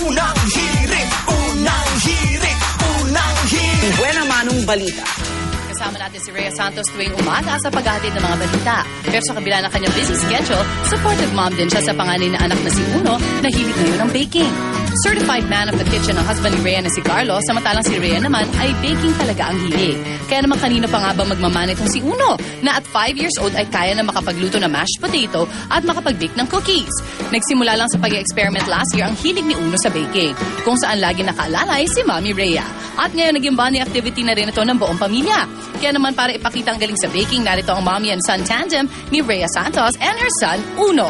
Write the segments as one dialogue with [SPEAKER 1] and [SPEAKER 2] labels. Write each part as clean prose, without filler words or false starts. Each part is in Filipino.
[SPEAKER 1] Unang hirit, unang hirit, unang hirit.
[SPEAKER 2] Buena manong balita.
[SPEAKER 3] Kasama natin si Rhea Santos tuwing umaga sa paghahatid ng mga balita. Pero sa kabila ng kanyang busy schedule, supportive mom din siya sa panganay na anak na si Uno na hilig ngayon ng baking. Certified man of the kitchen ang husband ni Rhea na si Carlos, samantalang si Rhea naman ay baking talaga ang hilig. Kaya naman kanino pa nga ba magmamana itong si Uno na at 5 years old ay kaya na makapagluto ng mashed potato at makapag-bake ng cookies. Nagsimula lang sa pag-experiment last year ang hilig ni Uno sa baking, kung saan lagi nakaalalay si Mami Rhea. At ngayon naging bonding activity na rin ito ng buong pamilya. Kaya naman para ipakita ang galing sa baking, narito ang mommy and son tandem ni Rhea Santos and her son Uno.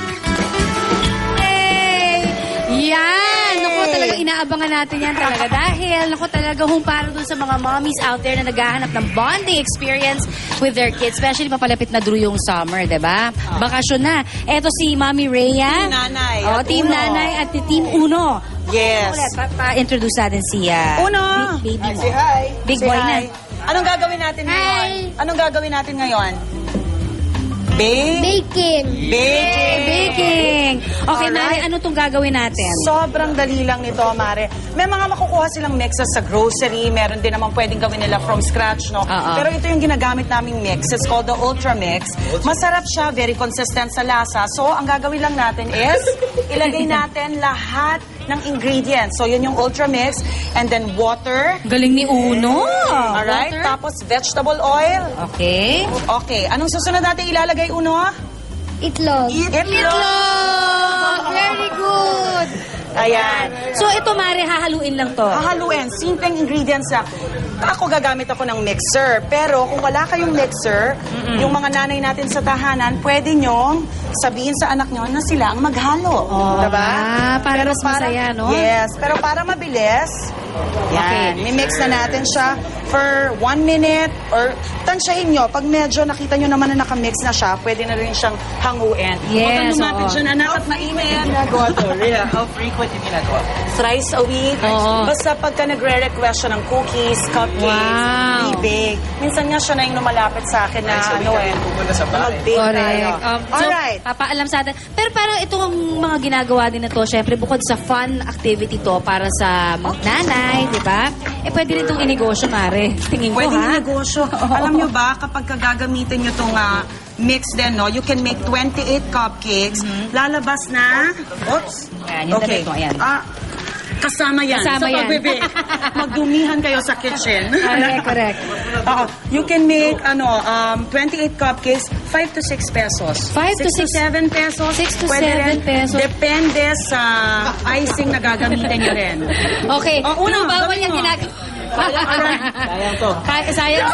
[SPEAKER 4] Hey! Yan! Naku, talagang inaabangan natin yan talaga. Dahil, naku, talaga para dun sa mga mommies out there na naghahanap ng bonding experience with their kids. Especially papalapit na Drew yung summer, diba? Bakasyon na. Eto si Mami Rhea.
[SPEAKER 2] Team Nanay
[SPEAKER 4] Oh,
[SPEAKER 2] at
[SPEAKER 4] Team
[SPEAKER 2] Uno.
[SPEAKER 4] Nanay at Team Uno.
[SPEAKER 2] Yes.
[SPEAKER 4] Ulit, pa-introduce natin si
[SPEAKER 2] Uno!
[SPEAKER 4] baby mo.
[SPEAKER 2] Say hi.
[SPEAKER 4] Big
[SPEAKER 2] Say
[SPEAKER 4] boy
[SPEAKER 2] hi.
[SPEAKER 4] na.
[SPEAKER 2] Anong gagawin natin ngayon? Anong gagawin natin ngayon?
[SPEAKER 4] Baking.
[SPEAKER 2] Baking.
[SPEAKER 4] Okay, Mari,
[SPEAKER 2] Alright.
[SPEAKER 4] ano itong gagawin natin?
[SPEAKER 2] Sobrang dali lang nito, Mare. May mga makukuha silang mixes sa grocery. Meron din naman pwedeng gawin nila from scratch, no? Pero ito yung ginagamit naming mix. It's called the Ultra Mix. Masarap siya, very consistent sa lasa. So, ang gagawin lang natin is, ilagay natin lahat ng ingredients. So, yun yung Ultra Mix. And then, water.
[SPEAKER 4] Galing ni Uno.
[SPEAKER 2] Alright?
[SPEAKER 4] Water.
[SPEAKER 2] Tapos, vegetable oil.
[SPEAKER 4] Okay.
[SPEAKER 2] Okay. Anong susunod natin ilalagay, Uno?
[SPEAKER 5] Itlog.
[SPEAKER 4] Itlog! Very good!
[SPEAKER 2] Ayan.
[SPEAKER 4] So, ito, Mari, hahaluin lang to.
[SPEAKER 2] Hahaluin. Simpleng ingredients lang. Ako gagamit ako ng mixer. Pero kung wala kayong mixer, yung mga nanay natin sa tahanan, pwede nyong sabihin sa anak nyo na sila ang maghalo. Diba?
[SPEAKER 4] Para mas masaya, no?
[SPEAKER 2] Yes. Pero para mabilis, yan.
[SPEAKER 4] Okay.
[SPEAKER 2] Mimix na natin siya for 1 minute or tansyahin nyo. Pag medyo nakita nyo naman na nakamix na siya, pwede na rin siyang hanguin.
[SPEAKER 4] Yes,
[SPEAKER 2] Huwag kang lumapit
[SPEAKER 4] oo.
[SPEAKER 2] dyan, anak, at mainit. Ginagawa to. Rhea, how frequent yung ginagawa? Thrice a week.
[SPEAKER 4] Oo.
[SPEAKER 2] Basta pagka nagre-request siya ng cookies, cupcakes,
[SPEAKER 4] Wow.
[SPEAKER 2] bibig. Minsan nga siya na yung lumalapit sa akin na mag-bake tayo.
[SPEAKER 4] So,
[SPEAKER 2] Alright.
[SPEAKER 4] papaalam sa atin. Pero parang itong mga ginagawa din na to, syempre, bukod sa fun activity to para sa mga nanay, di ba? Eh, pwede rin itong inegosyo, Mare. Tingin ko,
[SPEAKER 2] Pwede
[SPEAKER 4] ha?
[SPEAKER 2] yung negosyo. Alam nyo ba, kapag gagamitin nyo itong mix din, no, you can make 28 cupcakes. Lalabas na... Oops.
[SPEAKER 4] Ayan, yung damit mo, ayan.
[SPEAKER 2] Kasama yan.
[SPEAKER 4] Kasama
[SPEAKER 2] sa
[SPEAKER 4] yan.
[SPEAKER 2] pagbibig. Magdumihan kayo sa kitchen.
[SPEAKER 4] Correct.
[SPEAKER 2] Oo. You can make 28 cupcakes, 5 to 6 pesos.
[SPEAKER 4] 5 to
[SPEAKER 2] 6 to 7 pesos.
[SPEAKER 4] 6 to
[SPEAKER 2] Pwede
[SPEAKER 4] 7
[SPEAKER 2] rin.
[SPEAKER 4] pesos.
[SPEAKER 2] Depende sa icing na gagamitin nyo rin.
[SPEAKER 4] Okay.
[SPEAKER 2] Oh, Uno,
[SPEAKER 4] bawal
[SPEAKER 2] gawin
[SPEAKER 4] yung
[SPEAKER 2] mo.
[SPEAKER 4] ginagawa.
[SPEAKER 2] Sayang to.
[SPEAKER 4] Sayang.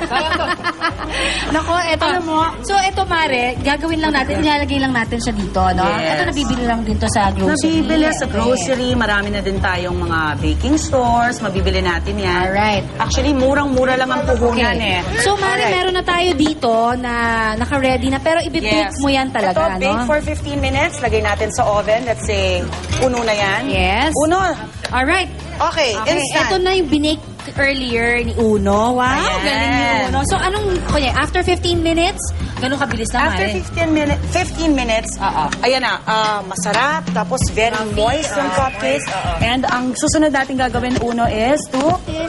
[SPEAKER 4] Nako, eto.
[SPEAKER 2] Alam mo,
[SPEAKER 4] So, eto, Mare, gagawin lang natin, ilalagay lang natin siya dito, no?
[SPEAKER 2] Yes.
[SPEAKER 4] Ito, nabibili lang dito sa grocery.
[SPEAKER 2] Nabibili sa grocery, marami na din tayong mga baking stores, mabibili natin yan.
[SPEAKER 4] Alright.
[SPEAKER 2] Actually, murang-mura lang ang puhunan eh.
[SPEAKER 4] So, Mare,
[SPEAKER 2] Alright.
[SPEAKER 4] meron na tayo dito na naka-ready na, pero ibibake mo yan talaga,
[SPEAKER 2] Ito, bake
[SPEAKER 4] no?
[SPEAKER 2] for 15 minutes. Lagay natin sa oven. Let's say, uno na yan.
[SPEAKER 4] Yes.
[SPEAKER 2] Uno.
[SPEAKER 4] Alright.
[SPEAKER 2] Okay,
[SPEAKER 4] Okay,
[SPEAKER 2] instant.
[SPEAKER 4] ito na yung binake earlier ni Uno. Wow,
[SPEAKER 2] Ayan.
[SPEAKER 4] galing ni Uno. So, after 15 minutes, ganun kabilis na,
[SPEAKER 2] After
[SPEAKER 4] Mare?
[SPEAKER 2] 15 minutes, ayan na, masarap, tapos very moist yung cupcakes. And ang susunod natin gagawin, Uno, is to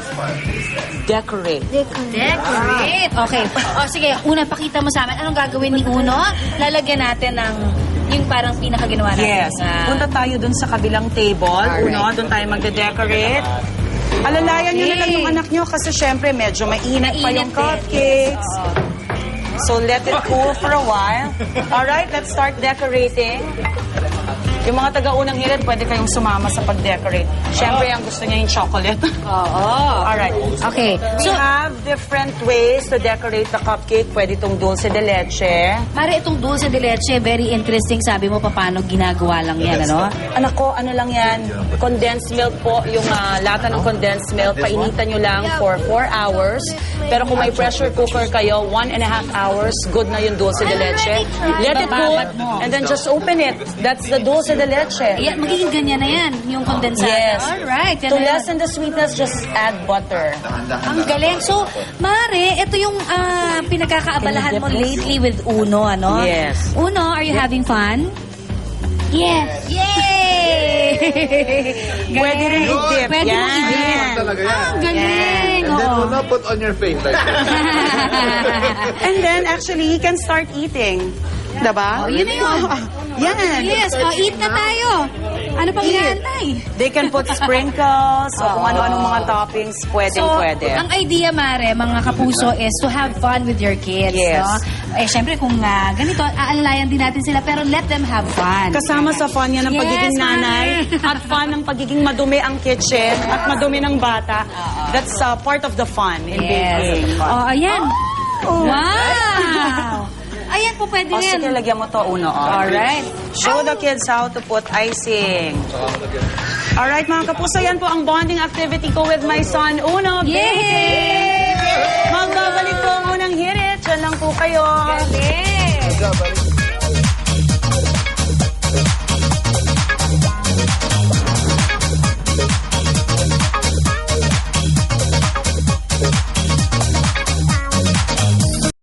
[SPEAKER 2] decorate.
[SPEAKER 4] Decorate. Okay. O, sige, una, pakita mo sa amin. Anong gagawin ni Uno? Lalagyan natin ng yung parang pinakaginawa natin.
[SPEAKER 2] Yes. Punta tayo dun sa kabilang table.
[SPEAKER 4] Alright.
[SPEAKER 2] Uno, dun tayo magde-decorate. Alalayan nyo na lang
[SPEAKER 4] Okay.
[SPEAKER 2] yung anak nyo kasi syempre medyo mainit pa yung
[SPEAKER 4] Mainit din.
[SPEAKER 2] cupcakes.
[SPEAKER 4] Yes. Oo.
[SPEAKER 2] So let it cool for a while. Alright, let's start decorating. Yung mga taga-unang hirit, pwede kayong sumama sa pag-decorate. Syempre, ang gusto niya yung chocolate.
[SPEAKER 4] Oo.
[SPEAKER 2] Alright.
[SPEAKER 4] Okay.
[SPEAKER 2] We
[SPEAKER 4] So,
[SPEAKER 2] have different ways to decorate the cupcake. Pwede itong dulce de leche.
[SPEAKER 4] Mare, itong dulce de leche, very interesting. Sabi mo, paano ginagawa lang yan, ano?
[SPEAKER 2] Anak ko, ano lang yan? Condensed milk po. Yung lata ng condensed milk, painitan nyo lang for 4 hours. Pero kung may pressure cooker kayo, 1.5 hours, good na yung dulce de leche. Let it cool,
[SPEAKER 4] Bababad mo.
[SPEAKER 2] and then just open it. That's the dulce de leche.
[SPEAKER 4] Yan, magiging ganyan na yan, yung kondensada.
[SPEAKER 2] Yes.
[SPEAKER 4] Alright. Yan
[SPEAKER 2] To
[SPEAKER 4] na yan.
[SPEAKER 2] lessen the sweetness, just add butter.
[SPEAKER 4] Ang galing. So, Mare, ito yung pinagkakaabalahan mo lately with Uno, ano?
[SPEAKER 2] Yes.
[SPEAKER 4] Uno, are you having fun?
[SPEAKER 5] Yes.
[SPEAKER 4] Yay!
[SPEAKER 2] Pwede rin i-dip.
[SPEAKER 4] Pwede mo
[SPEAKER 2] Yan.
[SPEAKER 4] i-dip.
[SPEAKER 5] Talaga yan.
[SPEAKER 4] Ah, galing.
[SPEAKER 5] And then
[SPEAKER 4] Oo.
[SPEAKER 5] will not put on your face like that.
[SPEAKER 2] And then, actually, he can start eating. Diba?
[SPEAKER 4] Oh, yun na yun.
[SPEAKER 2] Yan.
[SPEAKER 4] Yes, eat na tayo. Ano pang inaantay?
[SPEAKER 2] They can put sprinkles o kung ano-anong mga toppings. Pwede.
[SPEAKER 4] ang idea, Mare, mga kapuso, is to have fun with your kids.
[SPEAKER 2] Yes.
[SPEAKER 4] No? Eh, syempre, kung ganito, aalalayan din natin sila, pero let them have fun.
[SPEAKER 2] Kasama sa fun yan ng
[SPEAKER 4] Yes,
[SPEAKER 2] pagiging nanay
[SPEAKER 4] Mare.
[SPEAKER 2] at fun ng pagiging madumi ang kitchen at madumi ng bata. That's part of the fun in baking.
[SPEAKER 4] Oh, ayan. Wow! Ayan po, pwede
[SPEAKER 2] O, sige,
[SPEAKER 4] yan.
[SPEAKER 2] lagyan mo to uno.
[SPEAKER 4] Alright.
[SPEAKER 2] Show the kids how to put icing. Alright, mga kapuso, yan po ang bonding activity ko with my son, Uno.
[SPEAKER 4] Yay!
[SPEAKER 2] Magbabalik po ang unang hirit. Diyan lang po kayo.
[SPEAKER 4] Galing!
[SPEAKER 5] Good job, buddy.